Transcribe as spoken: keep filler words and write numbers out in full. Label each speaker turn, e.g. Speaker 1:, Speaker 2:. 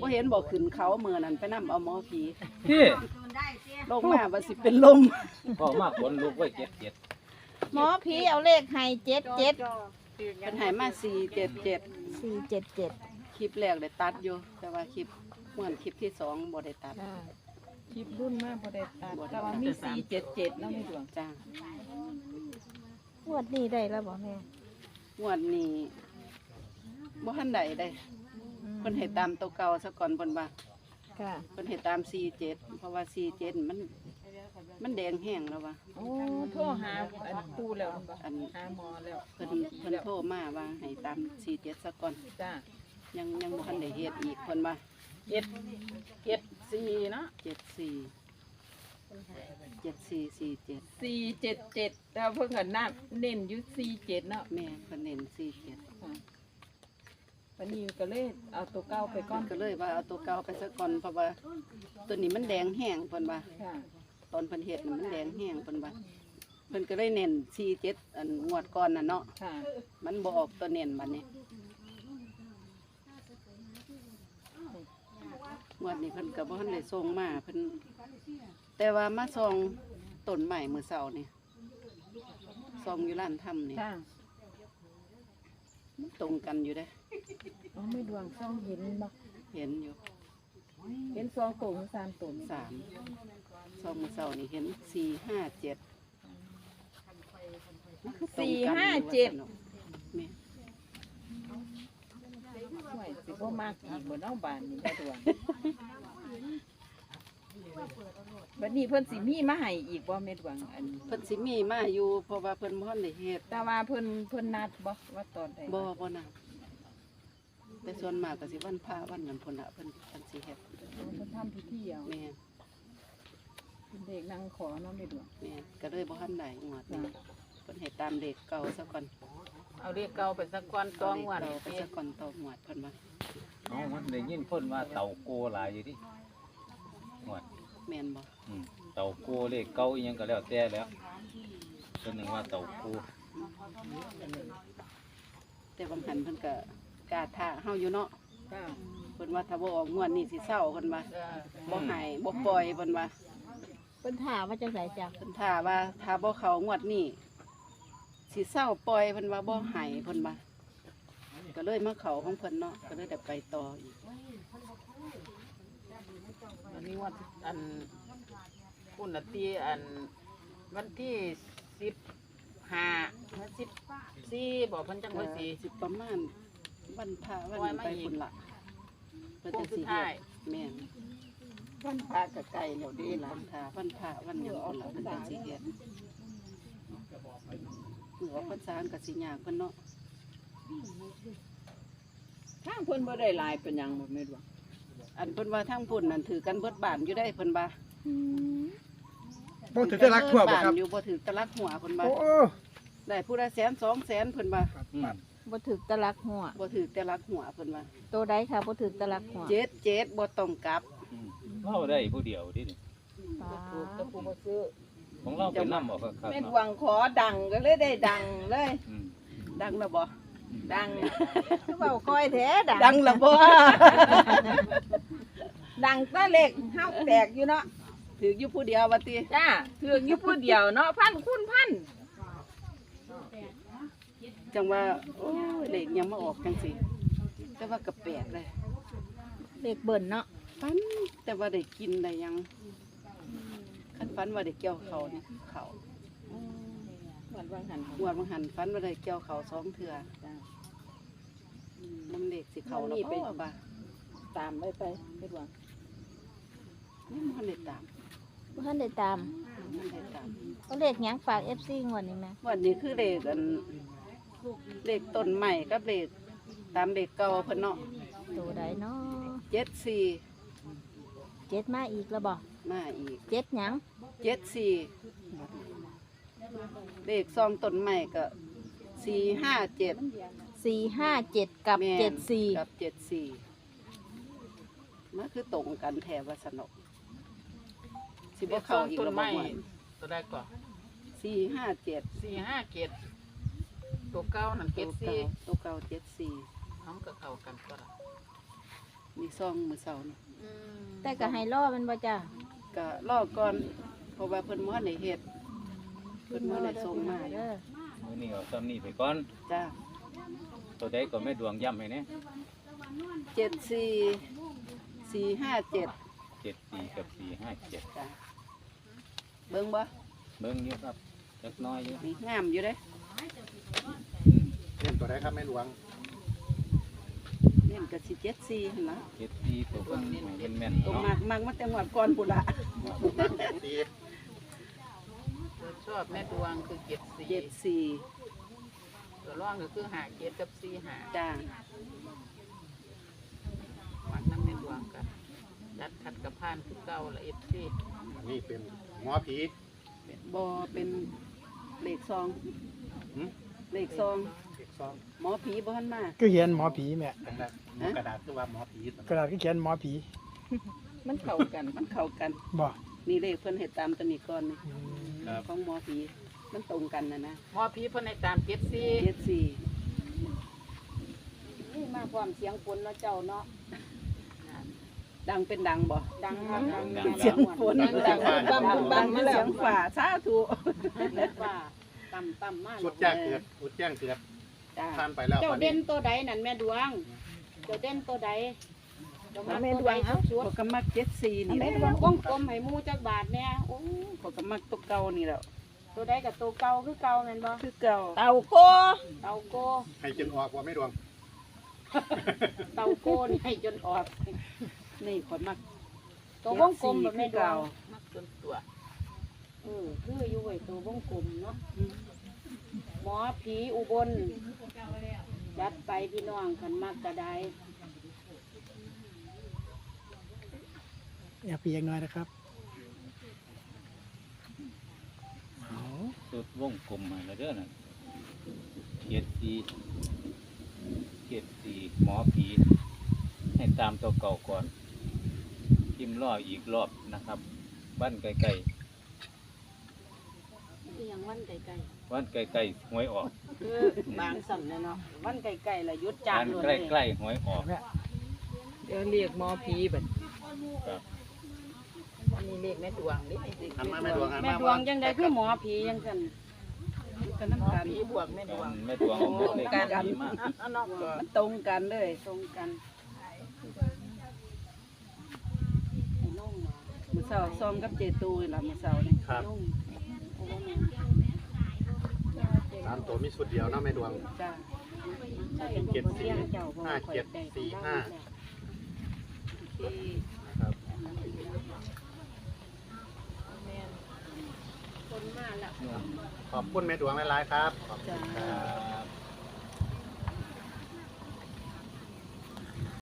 Speaker 1: เห็นบอกขึ้นเขาเมื่อนั้นไปนำเอาหมอผี
Speaker 2: พี่
Speaker 1: ลงมาว่าสิเป็นลม
Speaker 2: พ่อมากคนลูกไว้เจ็ดเจ็ด
Speaker 3: หมอผีเอาเลขให้เจ็ดเจ็ด
Speaker 1: เป็นใหายมาสี่เจ็ดเจ็ด
Speaker 3: สี่เจ็ดเจ็ด
Speaker 1: คลิปแรกได้ตัดอยู่ แต่ว่าคลิปเหมือนคลิปที่สองบ่ได้ตัด
Speaker 4: คลิปรุ่นมากพอได้ตัดแต่ว่ามีสี่เจ็ดเจ็ดแล้วไม่ดวง
Speaker 1: จ้าง
Speaker 3: วดนี้ได้แล้วบ่แม่
Speaker 1: งวดนี้บ่ทันใดได้เพิ่นให้ตามตัวเก่าซะก่อนเพิ่นว่า
Speaker 3: ค่ะ
Speaker 1: เพิ่นให้ตามสี่เจ็ดเพราะว่าสี่เจ็ดมันมันแดงแห้งแล้วว่ะ
Speaker 4: โอ้โทรหาอันปูแล้วบ่
Speaker 1: อัน
Speaker 4: หาหมอแล้ว
Speaker 1: เพิ่นเพิ่นโทรมาว่าให้ตามสี่เจ็ดซะก่อน
Speaker 4: จ้า
Speaker 1: ยังยังบ่ทันได้เฮ็ดอีกเพิ่นว่า
Speaker 4: เจ็ดเจ็ดสี่เนาะ
Speaker 1: เจ็ดสี่เจ็ดสี่สี่เจ็ด
Speaker 4: สี่เจ็ดเจ็ดแต่เพิ่งกันน้ำเน้นอยู่สี่เจ็ดเนาะ
Speaker 1: แม่เพิ่นเน้นสี่เจ็ด
Speaker 4: ค่ะวันนี้ก็เลยเอาตัวเก้าไปก่
Speaker 1: ก่
Speaker 4: อ
Speaker 1: อน นก็เลยว่าเอาตัวเก่าไปซะก่อนเพราะว่าตัวนี้มันแดงแห้งเพิ่นว่า
Speaker 4: ค่ะ
Speaker 1: ตอนเพิ่นเฮ็ดน่ะมันแดงแห้งเพิ่นว่าเพิ่นก็เลยเน้นสี่เจ็ดอันงวดก่อนน่ะเนาะ
Speaker 4: ค่ะ
Speaker 1: มันบ่ออกตัวเน้นบัดนี้งวดนี้เพิ่นก็บ่ทันได้ส่งมาเพิ่นแต่ว่ามาส่องต้นใหม่มื้อเช้านี่ส่องอยู่ร้านถ้ำนี่
Speaker 4: ค่ะ
Speaker 1: มันตรงกันอยู่เด้
Speaker 4: อ๋อไม่ดวงซ่องเห็นบ่
Speaker 1: เห็นอยู่
Speaker 4: เห็นสองตัวหรือสามตัวนี่
Speaker 1: สามส่องมื้อเช้านี่เห็นสี่ห้าเจ็ด
Speaker 4: สี่ห้าเจ็ด
Speaker 1: แม่
Speaker 4: ห่วยสิบ่มากอีกบ่เนาะบ้านนี้ได้ดวงบัดนี้เพิ่นสิมีมาให้อีกบ่แม่ดวงอัน
Speaker 1: เพิ่นสิมีมาอยู่เพราะว่าเพิ่นบ่ทันได้เฮ็ด
Speaker 4: แต่ว่าเพิ่นเพิ่นนัดบ่ว่าตอนใด
Speaker 1: บ่บ่นะแต่ส่วนมากก็สิวันพระวันนั้นพุ่นน่ะเพิ่นเพิ่นสิเฮ็ด
Speaker 4: เพิ่นทำพิธีเอา
Speaker 1: แม่
Speaker 4: เพิ่นเด็กนั่งขอเนาะแม่ดวง
Speaker 1: แม่ก็เลยบ่ทันได้งวดนี้เพิ่นให้ตามเลขเก่าซะก่อน
Speaker 4: เอาเรียกเก่าไปสักก่อนตองวัน
Speaker 1: เาเลขเก่าไปซะก่อนต่องวดเพิ่นว่า
Speaker 2: อ๋อมันได้ยินคนว่าเต่าโกหลายอยู่ดิหมด
Speaker 1: แม่นบ่
Speaker 2: อืมเต่าโกเลขเก้าอีหยังก็แล้วแต่แล้วคนหนึ่งว่าเต่าโก
Speaker 1: แต่บางหันเพิ่นก็กล้าท้าเฮาอยู่เนาะ
Speaker 4: จ้า
Speaker 1: เพิ่นว่าถ้าบ่ออกงวดนี้สิเศร้าเพิ่นว่า
Speaker 4: จ้า
Speaker 1: บ่ให้บ่ปล่อยเพิ่นว่า
Speaker 3: เพิ่นถามว่าจังไสจ้ะ
Speaker 1: เพิ่นท้าว่าถ้าบ่เข้างวดนี้สิเศร้าปล่อยเพิ่นว่าบ่ให้เพิ่นว่าก็เลยมาเข้าของเพิ่นเนาะก็เลยได้ไปต่ออีก
Speaker 4: อันนี้ว่าอันคุณน่ะตีอันวันที่สิบห้าสิบสี่บอกเพิ่นจังว่าสิ
Speaker 1: สิประมาณวันพระวัน
Speaker 4: ปล่อย
Speaker 1: นี้
Speaker 4: มา
Speaker 1: ไป
Speaker 4: อีก
Speaker 1: พุ่นละเพิ่น
Speaker 4: โค้
Speaker 1: จั
Speaker 4: ง
Speaker 1: ง
Speaker 4: สุ
Speaker 1: สิ
Speaker 4: ด
Speaker 1: เฮ็
Speaker 4: ท้าย
Speaker 1: ดแม่น
Speaker 4: วันพระก็ใกล้แล้วเดี
Speaker 1: นี่
Speaker 4: ล่ะ
Speaker 1: ล่ะวันพระวันพระวันหยังพุ่นละเพิ่นจังสิเฮ็ดหรือว่าเพิ่นสร้างก็สิยากเพิ่นเนาะ
Speaker 4: ทางเพิ่นบ่ได้หลายเป็นหยังบ่แม่ดวง
Speaker 1: อันเพิ่นว่าทางพุ่นนั่นถือกันเบิดบ้านอยู่ได้เพิ่นว่า
Speaker 5: บ่ถือจะรักทั่วบ่ครับ
Speaker 1: อยู่บ่ถือตะลักหัวเพิ่นว่า
Speaker 5: โอ้
Speaker 1: ได้ผู้ละแสนสองแสนเพิ่นว่า
Speaker 2: อืม
Speaker 3: บ่ถึกตะลักหัว
Speaker 1: บ่ถือแต่ลักหัวเพิ่นว่า
Speaker 3: ตัวใดค่ะบ่ถึกตะลักหัว
Speaker 1: เจ็ดเจ็ดบ่ต้องกลับ
Speaker 2: อืมเราได้ผู้เดียวดิ
Speaker 3: ปา
Speaker 4: ถูกแต่ผู้บ่ซื้อ
Speaker 2: ของเราไปนั่มออกครับ
Speaker 4: แม่ดวงขอดังก็เลยได้ดังเลย
Speaker 2: อืม
Speaker 1: ดังแล้วบ่
Speaker 4: ดัง
Speaker 3: คือเว้าก้อยแท้ดัง
Speaker 1: ดังแล้วบ่
Speaker 4: ดังแตะเล็กเฮาแตกอยู่เนาะ
Speaker 1: ถืออยู่ผู้เดียวว่าติ
Speaker 4: จ้าถือกอยู่ผู้เดียวเนาะพันคุณพัน
Speaker 1: จังว่าโอ้ยเลขยังมาออกจังสิแต่ว่าก็แปลกเลย
Speaker 3: เลขเบิ่นเนาะ
Speaker 1: ฝันแต่ว่าได้กินได้หยังคันฝันว่าได้เกี่ยวเขานี่เขา
Speaker 4: เหมือนวางหัน
Speaker 1: งวดบางหันฝันว่าได้เกี่ยวเขาสองเทื่อ
Speaker 4: จ้า
Speaker 1: น้ำเด็กสิเขาแล้ว
Speaker 4: นี่ไป
Speaker 1: บ่บ่า
Speaker 4: ตามไปไปแม่ดวง
Speaker 1: นี่มันได้ตาม
Speaker 3: บ่ทันได้ตาม
Speaker 1: มันได้ตาม
Speaker 3: เอาเลขหยังฝาก เอฟ ซี งวดนี้แม่
Speaker 1: วันนี้คือเลขอันเลขต้นใหม่กับเลขตามเลขเก่าเพิ่นเนาะ
Speaker 3: ตัวใดเนาะ
Speaker 1: เจ็ดสี่
Speaker 3: เจ็ดมาอีกแล้วบ่
Speaker 1: มาอีก
Speaker 3: เจ็ดหยัง
Speaker 1: เจ็ดสี่เลขซองต้นใหม่ก็สี่ห้าเจ็ด
Speaker 3: สี่ห้าเจ็ดกับ
Speaker 1: แม่น
Speaker 3: เจ็ดสี่
Speaker 1: กับเจ็ดสี่มันคือตรงกันแถววัสนกสิบ่เข้าอีกแล้วบ่ม่วน
Speaker 4: ตัวใดก่อน
Speaker 1: สี่ห้าเจ็ด
Speaker 4: สี่ห้าเกตตัวเก้านั่นเก
Speaker 1: ตัว
Speaker 4: ต
Speaker 1: เก่า
Speaker 4: สี่
Speaker 1: ตัวเก่าเจ็ดสี่
Speaker 4: น้องก็เข้ากันก็ละ
Speaker 1: มีซองมื้อเช้านี่
Speaker 4: อืม
Speaker 3: แต่ก็ให้ล่อมันบ่จ้า
Speaker 1: ก็รอก่อนเพราะว่าเพิ่นบ่ทันได้เฮ็ดเพิ่นบ่ได้ส่งมา
Speaker 3: เด้อ
Speaker 2: มื้อนี้เอาซ้ำนี่ไปก่อน
Speaker 1: จ้า
Speaker 2: ตัวใดก็แม่ดวงย้ำให้แน่
Speaker 1: เจ็ดสี่สี่ห้าเจ็ด
Speaker 2: เจ็ดสี่กับสี่ห้าเจ็ด
Speaker 1: จ้าเบิ่งบ่
Speaker 2: เบิ่งอยู่ครับจักหน้อยอยู่
Speaker 1: นี่งามอยู่เด้
Speaker 2: อืม
Speaker 5: เล่นตัวใดครับแม่หลวง
Speaker 1: เนี่ยก็สิเจ็ดสี่หั่นล่ะ
Speaker 2: เจ็ดสี่ตัวเบิ่งให้เป็นแม่น
Speaker 1: ตรง
Speaker 2: เนาะ
Speaker 1: มากมากมาแต่งวดก่อนพุ่นล่ะ
Speaker 5: แปดสี่
Speaker 4: ตัวชอบแม่ดวงคือเจ็ดสี่
Speaker 1: เจ็ดสี่
Speaker 4: ตัวร่องก็คือหาเจ็ดกับสี่หา
Speaker 1: จ้า
Speaker 4: มักน้ำแม่ดวงกันจัดขัดกับพานคือเก่าละเอฟซี
Speaker 5: อันนี้เป็นหมอผี
Speaker 1: บ่เป็นเลขซอง
Speaker 5: หืม
Speaker 1: เลขซอง
Speaker 5: เด็กซอง
Speaker 1: หมอผีบ่ทันมา
Speaker 6: ก็เขียนหมอผีแม่
Speaker 5: กระดาษหมอกระดาษคือว่าหมอผี
Speaker 6: กระดาษก็เขียนหมอผี
Speaker 1: มันเข้ากันมันเข้ากัน
Speaker 6: บ่
Speaker 1: นี่เลขเพิ่นเฮ็ดตามตัวนี้ก่อนนี่
Speaker 6: อืม
Speaker 5: ครับ
Speaker 1: ของหมอผีมันตรงกันนะนะ
Speaker 4: หมอผีเพิ่นในตามเจ็ดสี่
Speaker 1: เจ็ดสี่
Speaker 3: นี่มาความเสียงฝนเนาะเจ้าเนาะ
Speaker 1: ดังเป็นดังบ่
Speaker 3: ดังครับ
Speaker 2: ดัง
Speaker 3: ดั
Speaker 2: ดั
Speaker 3: ง
Speaker 2: ง
Speaker 1: เสียงฝน
Speaker 3: ดังดังบั้มบั้มบั้มมาแล้
Speaker 1: เสี
Speaker 3: วย
Speaker 1: งฝ่าสาธุ
Speaker 3: ว่าต่ำต่ำมาก
Speaker 5: สุดแจ้งเกิดสุดแจ้งเกิด
Speaker 1: จ้า
Speaker 5: ผ่านไปแล้ว
Speaker 3: เจ้า
Speaker 5: วัน
Speaker 3: เด่
Speaker 5: นี้
Speaker 3: นตัวใดนั่นแม่ดวง เจ้าเด่นตัวใดเจ้า
Speaker 1: แม่
Speaker 3: มา
Speaker 1: ด
Speaker 3: ตัว
Speaker 1: ว
Speaker 3: ใด
Speaker 1: งเอ้า
Speaker 3: สุด
Speaker 1: พวกก็มักเจ็ดสี่
Speaker 3: ๆ
Speaker 1: นี่แห
Speaker 3: แม่
Speaker 1: ละ
Speaker 3: ดวงวงกลมให้หมูจักบาทแน่โอ้
Speaker 1: พวกก็มักตัวเก่านี่แหละ
Speaker 3: ตัวใดกับตัวเก่าคือเก่าแม่นบ่
Speaker 1: คือเก่า
Speaker 3: เต่าโกเต่าโก
Speaker 5: ให้จนออกว่าไม่ดวง
Speaker 3: เต่าโกนี่ให้จนออก
Speaker 1: นี่ขอยมัก
Speaker 3: ตัววงกลมแบบแม่ดวง
Speaker 4: มักจนตัว
Speaker 3: เออคืออยู่ไว้ตัววงกลมเนาะ
Speaker 1: อืม
Speaker 3: หมอผีอุบลจัดไปพี่น้องคันมักกระได
Speaker 6: อยากเปียกหน่อยนะครับเอา
Speaker 2: สุดวงกลมมาแล้วเด้อน่ะเจ็ดสี่เจ็ดสี่หมอผีให้ตามตัวเก่าก่อนพิมพ์ล่ออีกรอบนะครับบ้านไกล
Speaker 3: คือยังวันไกล
Speaker 2: ๆบ้านไกลๆหวยออก
Speaker 3: ๆคือบางสั่นเนาะวันไกลๆละยุดจา
Speaker 2: บ้าน น
Speaker 3: เลย
Speaker 2: ใกล้ๆหวยออก
Speaker 6: แม่
Speaker 4: เดี๋ยวเรียกหมอผีบัด
Speaker 2: ครับ
Speaker 4: อันนี้เรียกแม่ดวงนี่
Speaker 5: หันมาแม่ดวงหัน
Speaker 3: แม่
Speaker 5: มา
Speaker 3: ดวงจังไดคือหมอผีจังซั่น
Speaker 1: มันก็
Speaker 4: หม
Speaker 1: น้ำ
Speaker 4: อ
Speaker 1: กัน
Speaker 4: ผีบวกแม่ดวง
Speaker 2: แม่ดวงเอาหมดเลข
Speaker 1: กัน
Speaker 2: ดีมาก
Speaker 4: อันนอกก็
Speaker 1: มันตรงกันเลย
Speaker 3: ตรงกันไอ้น้องหมา
Speaker 1: มื้อเช้าซองกับเจตูนี่ล่ะมื้อเช้านี่
Speaker 5: ครับ
Speaker 3: น้องโอ้แม่
Speaker 5: สามตัวมีสุดเดียวเนาะแม่ดวง
Speaker 1: จ้า
Speaker 3: ใช่บ่บ่เลี้ยงเจ้าบ่
Speaker 5: ห้า
Speaker 3: ค่อย
Speaker 5: เจ็ด
Speaker 3: ได้
Speaker 5: สี่ห้า
Speaker 1: ที่
Speaker 5: ครับ
Speaker 3: คนมาแล้ว
Speaker 5: ขอบคุณแม่ดวงหลายๆครับขอบคุณ
Speaker 1: จ้า
Speaker 5: ครับ